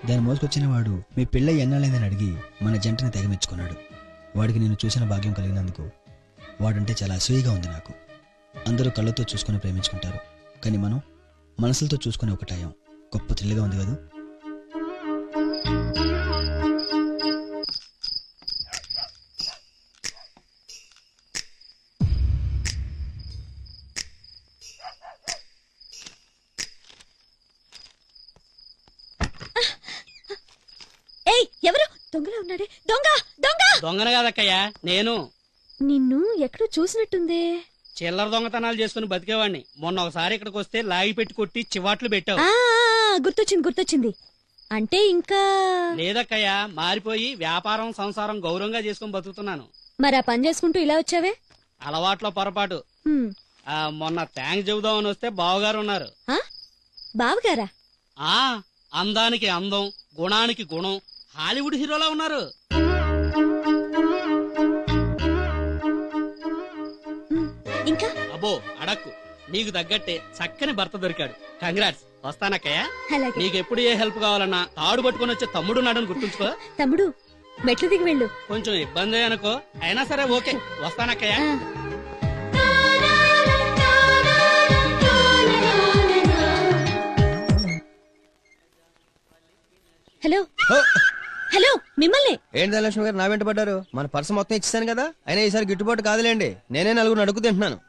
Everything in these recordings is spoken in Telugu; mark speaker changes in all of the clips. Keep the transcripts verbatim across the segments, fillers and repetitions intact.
Speaker 1: దాన్ని మోసుకొచ్చిన వాడు మీ పిల్ల ఎన్నాళ్ళైందని అడిగి మన జంటని తెగమెచ్చుకున్నాడు. వాడికి నేను చూసిన భాగ్యం కలిగినందుకు వాడంటే చాలా అసూయగా ఉంది నాకు. అందరూ కళ్ళతో చూసుకుని ప్రేమించుకుంటారు, కానీ మనం మనసులతో చూసుకుని ఒకటాయం. గొప్ప థ్రిల్గా ఉంది కదా.
Speaker 2: ఎవరు దొంగలా ఉన్నాడే? దొంగ దొంగ
Speaker 3: దొంగన కాదక్కయ్యా, నేను.
Speaker 2: నిన్ను ఎక్కడో చూసినట్టుందే.
Speaker 3: చిల్లర దొంగతనాలు చేసుకుని బతికేవాడిని. మొన్న ఒకసారి ఇక్కడికి వస్తే లాగి పెట్టి కొట్టి చివాట్లు పెట్టావు.
Speaker 2: గుర్తొచ్చింది గుర్తొచ్చింది అంటే ఇంకా
Speaker 3: లేదక్కయ్యా, మారిపోయి వ్యాపారం సంసారం గౌరవంగా చేసుకుని బతుకుతున్నాను.
Speaker 2: మరి ఆ పని చేసుకుంటూ ఇలా వచ్చావే?
Speaker 3: అలవాట్లో పొరపాటు. ఆ మొన్న థ్యాంక్స్ చెబుదామని వస్తే బావగారు ఉన్నారు.
Speaker 2: బావగారా?
Speaker 3: ఆ అందానికి అందం, గుణానికి గుణం, హాలీవుడ్ హీరోలా ఉన్నారు.
Speaker 2: ఇంకా
Speaker 3: అబ్బో అడక్కు, నీకు తగ్గట్టే చక్కని భర్త దొరికాడు. కంగ్రాట్స్. వస్తానక్కయ్యా. నీకెప్పుడు ఏ హెల్ప్ కావాలన్నా తాడు పట్టుకుని వచ్చే తమ్ముడు నాడని గుర్తుంచుకో.
Speaker 2: తమ్ముడు మెట్లు దిగి వెళ్ళు.
Speaker 3: కొంచెం ఇబ్బంది అనుకో, అయినా సరే ఓకే. వస్తానక్కయ్యా.
Speaker 2: హలో హలో, మిమ్మల్ని.
Speaker 1: ఏంటి ధనలక్ష్మి గారు నా వెంట పడ్డారు? మన పర్సు మొత్తం ఇచ్చేసాను కదా, అయినా ఈసారి గిట్టుబాటు కాదులేండి. నేనే నలుగురు అడుగు తింటున్నాను.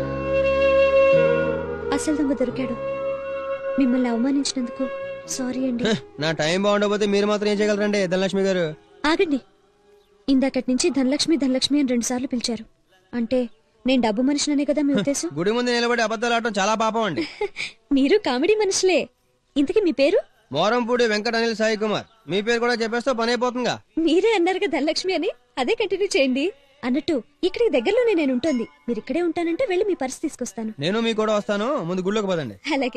Speaker 2: అసలు దొంగ దొరికాడు. మిమ్మల్ని అవమానించినందుకు సారీ అండి.
Speaker 1: నా టైం బాగుండకపోతే మీరు మాత్రం ఏం చేయగలరండి ధనలక్ష్మి గారు?
Speaker 2: ఆగండి. ఇందాకటి నుంచి ధనలక్ష్మి ధనలక్ష్మి అని రెండు సార్లు పిలిచారు. అంటే నేను డబ్బు మనిషిననే కదా మీ ఉద్దేశం?
Speaker 1: గుడి ముందు నిలబడి అబద్ధాలు ఆడటం చాలా పాపం అండి.
Speaker 2: మీరు కామెడీ మనుషులే. ఇంతకీ మీ పేరు?
Speaker 1: మోరంపూడి వెంకట అనిల్ సాయి కుమార్. మీ పేరు కూడా చెప్పేస్తే పని అయిపోతుందిగా.
Speaker 2: మీరే అన్నారుగా ధనలక్ష్మి అని, అదే కంటిన్యూ చేయండి. అన్నట్టు ఇక్కడికి దగ్గరలోనే నేను ఉంటుంది. మీరు ఇక్కడే ఉంటానంటే వెళ్ళి మీ పర్స్ తీసుకొస్తాను.
Speaker 1: నేను మీ కూడా వస్తాను, ముందు గుళ్ళోకి పదండి.
Speaker 2: అలాగే.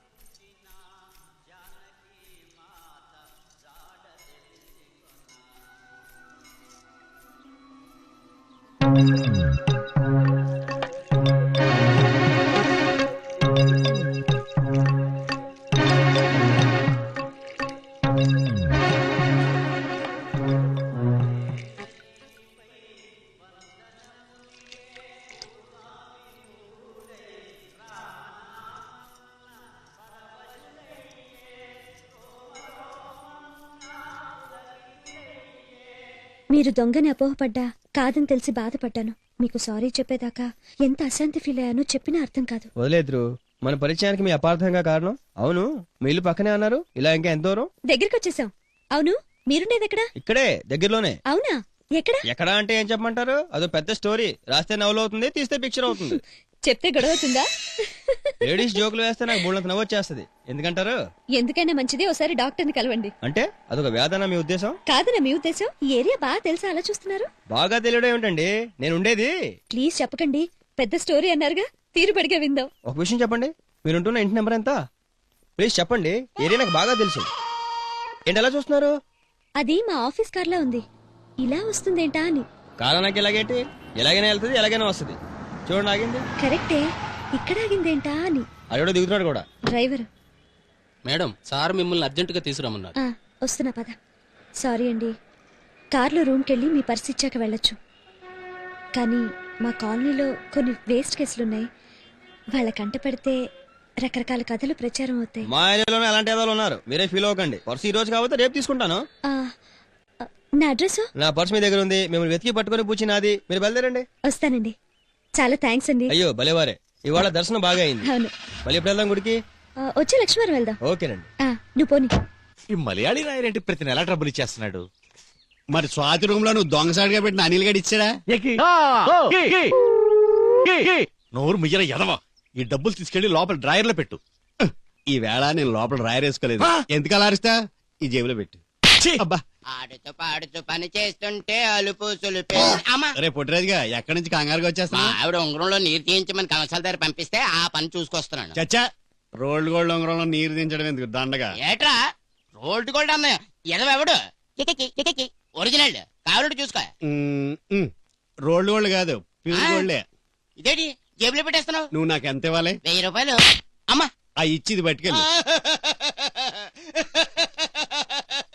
Speaker 2: మీరు దొంగని అపోహపడ్డా కాదని తెలిసి బాధపడ్డాను. మీకు సారీ చెప్పేదాకా ఎంత అశాంతి ఫీల్ అయ్యానో చెప్పినా అర్థం కాదు.
Speaker 1: వదిలేదురు, మన పరిచయానికి మీ అపార్థంగా కారణం. అవును, మీ ఇల్లు పక్కనే అన్నారు, ఇలా ఇంకా ఎంత దూరం?
Speaker 2: దగ్గరికి వచ్చేసాం. అవును, మీరుండేది ఎక్కడా?
Speaker 1: ఇక్కడే దగ్గరలోనే.
Speaker 2: అవునా, ఎక్కడ?
Speaker 1: ఎక్కడా అంటే ఏం చెప్పమంటారు? అదో పెద్ద స్టోరీ. రాస్తే నవలు అవుతుంది, తీస్తే పిక్చర్ అవుతుంది.
Speaker 2: చెప్తే గొడవ అవుతుందా?
Speaker 1: లేడీస్ జోకులు వేస్తే నాకు బోళ్ళంత నవ్వు వచ్చేస్తుంది. ఎందుకంటారు?
Speaker 2: ఎందుకైనా మంచిది ఒకసారి డాక్టర్ ని కలవండి.
Speaker 1: అంటే అదొక వ్యాధన మీ ఉద్దేశం?
Speaker 2: కాదనా మీ ఉద్దేశం? ఈ ఏరియా బాగా తెలుసా అలా చూస్తున్నారు?
Speaker 1: బాగా తెలియడం ఏమిటండి, నేను ఉండేది.
Speaker 2: ప్లీజ్ చెప్పకండి, పెద్ద స్టోరీ అన్నారుగా, తీరుబడిగా విందాం.
Speaker 1: ఒక విషయం చెప్పండి, మీరుంటున్న ఇంటి నెంబర్ ఎంత? ప్లీజ్ చెప్పండి, ఏరియా నాకు బాగా తెలుసు. ఏంటి అలా చూస్తున్నారు?
Speaker 2: అది మా ఆఫీస్ కార్లా ఉంది, ఇలా వస్తుందేంటా అని.
Speaker 1: కారు నాకు ఎలాగేంటి, ఎలాగైనా వెళ్తుంది, ఎలాగైనా వస్తుంది. చూడండి ఆగింది.
Speaker 2: కరెక్టే, ఇక్కడ ఆగిందేంటా అని.
Speaker 1: అక్కడ దిగుతున్నాడు కూడా.
Speaker 2: డ్రైవర్
Speaker 3: మేడం, సార్ మిమ్మల్ని అర్జెంటుగా తీసుకురమ్మన్నారు.
Speaker 2: వస్తున్నా పద. సారీ అండి, కార్లో రూమ్కి వెళ్ళి మీ పర్స్ ఇచ్చాక వెళ్ళొచ్చు. కానీ మా కాలనీలో కొన్ని వేస్ట్ కేసులున్నాయి. వాళ్ళ కంట పెడితే రకరకాల కథలు ప్రచారం అవుతాయి.
Speaker 1: మా ఏరియాలోనే అలాంటి ఏదో ఉన్నారు, మీరే ఫీల్ అవ్వకండి. పర్స్ ఈ రోజు కాబట్టి రేపు తీసుకుంటాను.
Speaker 2: నా అడ్రస్?
Speaker 1: నా పర్స్ మీ దగ్గర ఉంది, మిమ్మల్ని వెతికి పట్టుకుని పూచి నాది. మీరు బయలుదేరండి.
Speaker 2: వస్తానండి. చాలా థ్యాంక్స్ అండి.
Speaker 1: అయ్యో భలేవారే, ఇవాళ దర్శనం బాగా అయింది.
Speaker 2: అవును.
Speaker 1: మళ్ళీ ఎప్పుడు వెళ్దాం గుడికి?
Speaker 2: వచ్చే లక్ష్మీవారం వెళ్దాం.
Speaker 1: ఓకేనండి.
Speaker 2: నువ్వు పోనీ.
Speaker 4: ఈ మలయాళీ రాయరేంటి ప్రతి నెల ట్రబుల్ ఇచ్చేస్తున్నాడు? మరి స్వాతి రూమ్ లో నువ్వు దొంగసాడిగా పెట్టిన అనిల్ గడి ఇచ్చాడా? నోరు ముయ్యర ఎదవా, ఈ డబ్బులు తీసుకెళ్లి లోపల డ్రాయర్ లో పెట్టు. ఈ వేళ నేను లోపల డ్రాయర్ వేసుకోలేదు. ఎందుకు అలా అరిస్తా? ఈ జేబులో పెట్టు. అబ్బా,
Speaker 5: ఆడుతూ పాడుతూ పని చేస్తుంటే అలుపు సులుపే.
Speaker 4: రే పొట్టిరాజుగా, ఎక్కడి నుంచి కంగారుగా వచ్చేస్తా?
Speaker 5: ఆవిడ ఉంగరంలో నీరు తీయించమని కమసాల దగ్గర పంపిస్తే ఆ పని చూసుకొస్తున్నాను.
Speaker 4: చచ్చా, రోల్డ్ గోల్డ్ ఉంగరంలో నీరు దించడం ఎందుకు దండగా?
Speaker 5: ఏట్రా రోల్డ్ గోల్డ్ అన్న ఎదవెవడు? ఒరిజినల్ కావాలంటే చూసుకో.
Speaker 4: రోల్డ్ గోల్డ్ కాదు, ప్యూర్ గోల్డే.
Speaker 5: ఇదేంటి జేబులో పెట్టేస్తున్నావు?
Speaker 4: నువ్వు నాకు ఎంత ఇవ్వాలి?
Speaker 5: వెయ్యి రూపాయలు. అమ్మా,
Speaker 4: ఆ ఇచ్చిది పట్టుకెళ్ళి.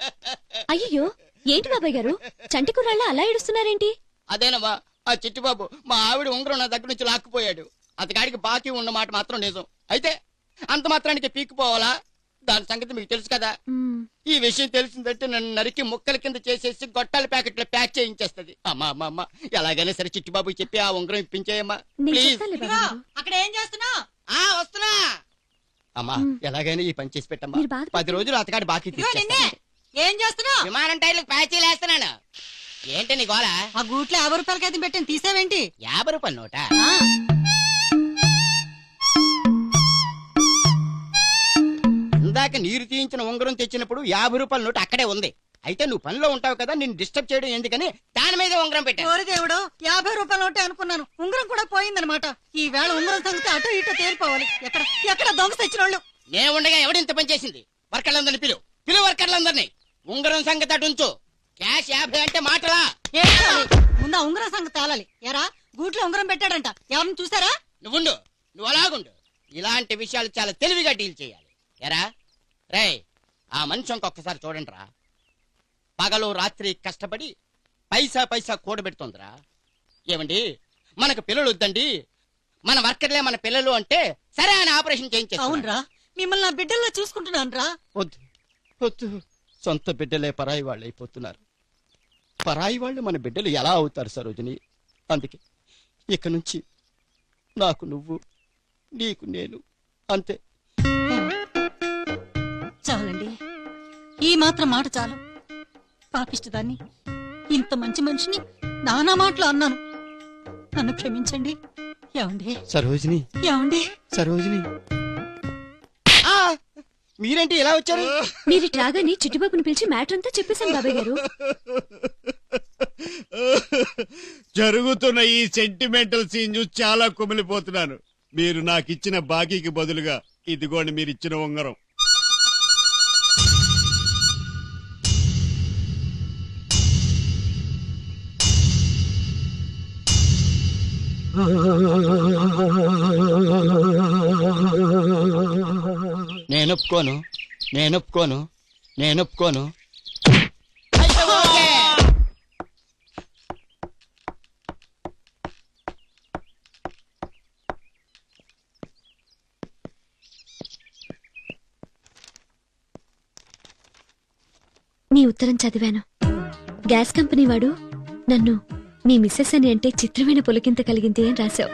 Speaker 2: అయ్యో ఏంటి బాబాయ్ గారు చంటి కుర్రాళ్ళ అలా ఏడుస్తున్నారేంటి?
Speaker 5: అదేనమ్మా ఆ చిట్టిబాబు మా ఆవిడ ఉంగరం నా దగ్గర నుంచి లాక్కుపోయాడు. అతగాడికి బాకీ ఉన్న మాట మాత్రం నిజం. అయితే అంత మాత్రానికి పీక్కుపోవాలా? దాని సంగతి మీకు తెలుసు కదా.
Speaker 2: మ్మ్.
Speaker 5: ఈ విషయం తెలిసిందంటే నన్ను నరికి ముక్కల కింద చేసేసి గొట్టాల ప్యాకెట్లో ప్యాక్ చేయించేస్తది. అమ్మా అమ్మా అమ్మా ఎలాగైనా సరే చిట్టిబాబుకి చెప్పి ఆ ఉంగరం ఇప్పించేయమ్మా
Speaker 2: నేను
Speaker 5: ప్లీజ్.
Speaker 2: చెప్తానులే బాబాయ్ గారు.
Speaker 6: అక్కడ ఏం చేస్తున్నావు?
Speaker 5: ఆ వస్తున్నా అమ్మా.
Speaker 2: మ్.
Speaker 5: ఎలాగైనా ఈ పని చేసి పెట్టమ్మా.
Speaker 2: మీరు బాధ
Speaker 5: పది రోజులు అతగాడి బాకీ
Speaker 6: నిన్నే
Speaker 5: తీర్చేస్తాను.
Speaker 6: ఏం చేస్తున్నావు?
Speaker 5: విమానం టైర్లకు ప్యాచీలు వేస్తున్నాను. ఏంటి నీ గోళ?
Speaker 6: ఆ గూట్లో యాభై రూపాయలకి అయితే పెట్టిన తీసావేంటి?
Speaker 5: యాభై రూపాయల నోట.
Speaker 6: ఆ,
Speaker 5: ఇందాక నీరు తీయించిన ఉంగరం తెచ్చినప్పుడు యాభై రూపాయల నోటు అక్కడే ఉంది. అయితే నువ్వు పనిలో ఉంటావు కదా, నిన్ను డిస్టర్బ్ చేయడం ఎందుకని దాని మీద ఉంగరం పెట్టాను.
Speaker 6: ఓరి దేవుడు, యాభై రూపాయల నోటే అనుకున్నాను. ఉంగరం కూడా పోయిందనమాట. ఈ వేళ ఉంగరం సంగతి అటో ఇటో తేలిపోవాలి. ఎక్కడ ఎక్కడ దొంగ తెచ్చిన వాళ్ళు?
Speaker 5: నేను ఉండగా ఎవడింత పని చేసింది? వర్కర్లందరినీ పిలు పిలు వర్కర్లందరినీ. ఉంగరం సంగతి అటు ఉంచు. క్యాష్ యాభై అంటే మాటలా?
Speaker 6: ఏంటి అది? ముందు ఆ ఉంగరం సంగతి తేలాలి. ఎరా గూట్లో ఉంగరం పెట్టాడంట, ఎవరిని చూసారా?
Speaker 5: నువ్వుండు, నువ్వు అలాగుండు. ఇలాంటి విషయాలు చాలా తెలివిగా డీల్ చేయాలి. ఎరా రే, ఆ మనిషి ఇంకొకసారి చూడండి రా. పగలు రాత్రి కష్టపడి పైసా పైసా కూడబెడుతోందిరా. ఏమండి, మనకు పిల్లలు వద్దండి, మన వర్కర్లే మన పిల్లలు అంటే సరే అని ఆపరేషన్ చేయించేస్తా.
Speaker 6: అవునరా, మిమ్మల్ని నా బిడ్డల్లో చూసుకుంటున్నాను రా.
Speaker 5: వద్దు వద్దు, సొంత బిడ్డలే పరాయి వాళ్ళు అయిపోతున్నారు. పరాయి వాళ్ళు మన బిడ్డలు ఎలా అవుతారు సరోజిని? అందుకే ఇక నుంచి నాకు నువ్వు, నీకు నేను, అంతే.
Speaker 6: చాలండి, ఈ మాత్రం మాట చాలు. పాపిష్టదాన్ని, ఇంత మంచి మనిషిని నానా మాటలు అన్నాను. నన్ను క్షమించండి. ఏమండి
Speaker 5: సరోజిని,
Speaker 6: ఏమండి
Speaker 5: సరోజిని. ఆ, మీరేంటి ఇలా వచ్చారు?
Speaker 2: మీరు ఇటు రాగానే చిట్టుబాబుని పిలిచి మ్యాటర్ అంతా చెప్పేశాను బాబాయ్ గారు.
Speaker 4: జరుగుతున్న ఈ సెంటిమెంటల్ సీన్ చూసి చాలా కుమిలిపోతున్నాను. మీరు నాకు ఇచ్చిన బాకీకి బదులుగా ఇదిగోండి మీరు ఇచ్చిన ఉంగరం.
Speaker 5: నేను ఒప్పుకోను, నేను ఒప్పుకోను, నేను ఒప్పుకోను.
Speaker 2: నీ ఉత్తరం చదివాను. గ్యాస్ కంపెనీ వాడు నన్ను మీ మిస్సెస్ అని అంటే చిత్రమైన పులకింత కలిగింది అని రాశావు.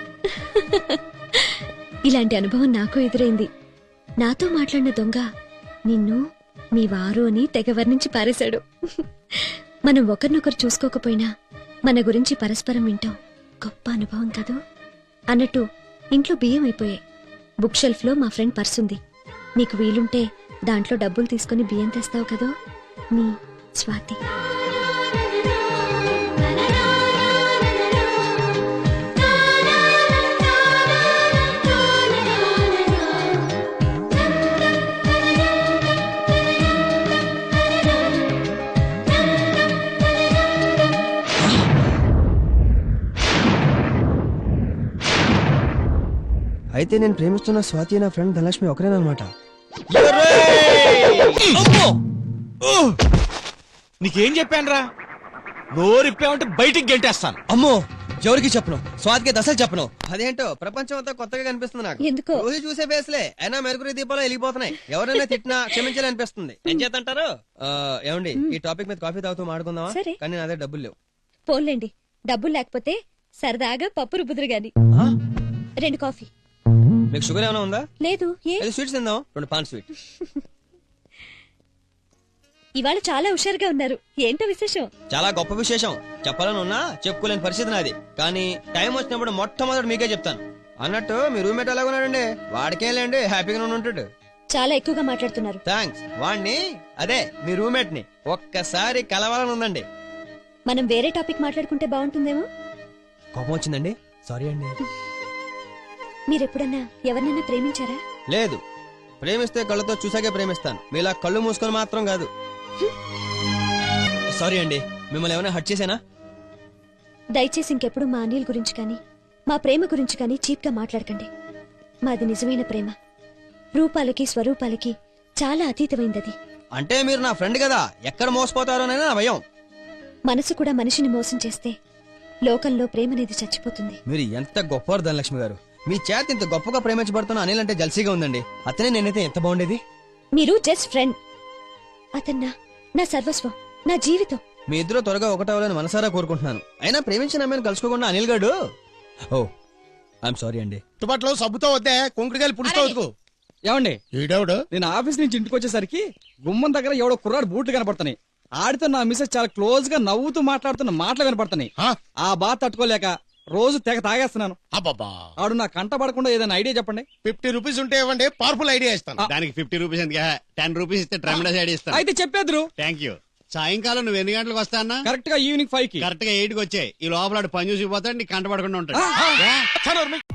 Speaker 2: ఇలాంటి అనుభవం నాకు ఎదురైంది. నాతో మాట్లాడిన దొంగ నిన్ను మీ వారు అని తెగ వర్ణించి పారేశాడు. మనం ఒకరినొకరు చూసుకోకపోయినా మన గురించి పరస్పరం వింటాం. గొప్ప అనుభవం కదూ. అన్నట్టు ఇంట్లో బియ్యం అయిపోయాయి. బుక్ షెల్ఫ్ లో మా ఫ్రెండ్ పర్స్ ఉంది. నీకు వీలుంటే దాంట్లో డబ్బులు తీసుకుని బియ్యం తెస్తావు కదూ. నీ స్వాతి.
Speaker 1: అయితే నేను ప్రేమిస్తున్న స్వాతి నా ఫ్రెండ్ ధనలక్ష్మి ఒకరేనమాట.
Speaker 4: నీకేం చెప్పానురా? నోరిప్పావంటే బయటికి గెంటేస్తాను.
Speaker 1: అమ్మో, ఎవరికి చెప్పను, స్వాతికి దశలు చెప్పను. అదేంటో ప్రపంచం అంతా కొత్తగా కనిపిస్తుంది నాకు.
Speaker 2: ఎందుకో
Speaker 1: రోజు చూసే బేస్లే అయినా మెరుగురి దీపాలు వెలిగిపోతున్నాయి. ఎవరైనా తిట్టినా క్షమించాలి అనిపిస్తుంది. ఏం చేతంటారు? ఏమండి, ఈ టాపిక్ మీద కాఫీ తాగుతూ మాడుకుందామా?
Speaker 2: సరే.
Speaker 1: కానీ నా దగ్గర డబ్బులు లేవు.
Speaker 2: పోన్లేండి, డబ్బులు లేకపోతే సరదాగా పప్పు రుబ్బుదురు గాని.
Speaker 1: ఆ?
Speaker 2: రెండు కాఫీ.
Speaker 1: మీకు షుగర్ ఏమైనా ఉందా?
Speaker 2: లేదు. ఏ
Speaker 1: ఏదో స్వీట్స్ తిందాం. రెండు పాన్ స్వీట్.
Speaker 2: ఇవాళ చాలా హుషారుగా ఉన్నారు. ఏంటో విశేషం?
Speaker 1: చాలా గొప్ప విశేషం. చెప్పాలని ఉన్నా చెప్పుకోలేని పరిస్థితి నాది. కానీ టైం వచ్చినప్పుడు మొట్టమొదటి మీకే చెప్తాను. అన్నట్టు మీ రూమ్మేట్ ఎలాగున్నాడండి? వాడికేం లేండి, హ్యాపీగా ఉంటాడు.
Speaker 2: చాలా ఎక్కువగా మాట్లాడుతున్నారు.
Speaker 1: థ్యాంక్స్. వాణ్ణి, అదే మీ రూమ్మేట్ ని ఒక్కసారి కలవాలని ఉందండి.
Speaker 2: మనం వేరే టాపిక్ మాట్లాడుకుంటే బాగుంటుందేమో.
Speaker 1: కోపం వచ్చిందండి, సారీ అండి.
Speaker 2: మీరెప్పుడన్నా ఎవరినైనా ప్రేమించారా?
Speaker 1: లేదు, ప్రేమిస్తే కళ్ళతో చూసాకే ప్రేమిస్తాను. మీలా కళ్ళు మూసుకొని మాత్రం కాదు. సారీ అండి, మిమ్మల్ని ఏమైనా హట్ చేశానా?
Speaker 2: దయచేసి ఇంకెప్పుడు మా అనిల్ గురించి కానీ మా ప్రేమ గురించి కానీ చీప్ గా మాట్లాడకండి. మాది నిజమైన ప్రేమ. రూపాలకి స్వరూపాలకి చాలా అతీతమైందది.
Speaker 1: అంటే మీరు నా ఫ్రెండ్ కదా, ఎక్కడ మోసపోతారోనైనా నా భయం.
Speaker 2: మనసు కూడా మనిషిని మోసం చేస్తే లోకంలో ప్రేమ అనేది చచ్చిపోతుంది.
Speaker 1: మీరు ఎంత గొప్పవారు ధనలక్ష్మి గారు. మీ చేత ఇంత గొప్పగా ప్రేమించబడుతున్న అనిల్ అంటే జల్సీగా ఉందండి. అతనే నేనైతే ఎంత బాగుండేది.
Speaker 2: మీరు జస్ట్ ఫ్రెండ్, అతన్నా నా సర్వస్వం, నా జీవితం.
Speaker 1: మీ ఇద్దరు త్వరగా ఒకటవ్వాలని మనసారా కోరుకుంటున్నాను. అయినా ప్రేమించిన అమ్మాయిని కలుసుకోకుండా అనిల్ గారు. ఓ ఐఎమ్ సారీ అండి.
Speaker 7: తుబాట్లో సబ్బుతో వద్దే కుంకుడుకాయలు పులుస్తూ వద్దుకు.
Speaker 3: ఏమండి
Speaker 7: ఈడెవడు
Speaker 3: నేను ఆఫీస్ నుంచి ఇంటికి వచ్చేసరికి గుమ్మం దగ్గర ఎవడో కుర్రాడు బూట్లు కనపడుతున్నాయి. ఆడితో నా మిస్సెస్ చాలా క్లోజ్ గా నవ్వుతూ మాట్లాడుతున్న మాటలు కనపడుతున్నాయి.
Speaker 7: ఆ?
Speaker 3: ఆ బాధ తట్టుకోలేక రోజు తెగ తాగేస్తున్నాను.
Speaker 7: అబ్బబ్బా
Speaker 3: ఆడు నా కంట పడకుండా ఏదైనా ఐడియా చెప్పండి.
Speaker 7: ఫిఫ్టీ రూపీస్ ఉంటే ఇవ్వండి, పవర్ఫుల్ ఐడియా ఇస్తాను.
Speaker 4: దానికి ఫిఫ్టీ రూపీస్ ఎందుకు? టెన్ రూపీస్ ఇస్తే ట్రెమిడస్ ఐడి ఇస్తాను.
Speaker 3: అయితే చెప్పేద్దరు.
Speaker 4: Thank you. సాయంకాలం నువ్వు ఎన్ని గంటలకు వస్తా అన్నా?
Speaker 3: కరెక్ట్ గా ఈవినింగ్ ఫైవ్ కి.
Speaker 4: కరెక్ట్ గా ఎయిట్ కి వచ్చాయి. ఈ లోపల ఆడు పని చూసి పోతాడు, నీకు కంటపడకుండా ఉంటాడు.
Speaker 7: చదవరు మీ.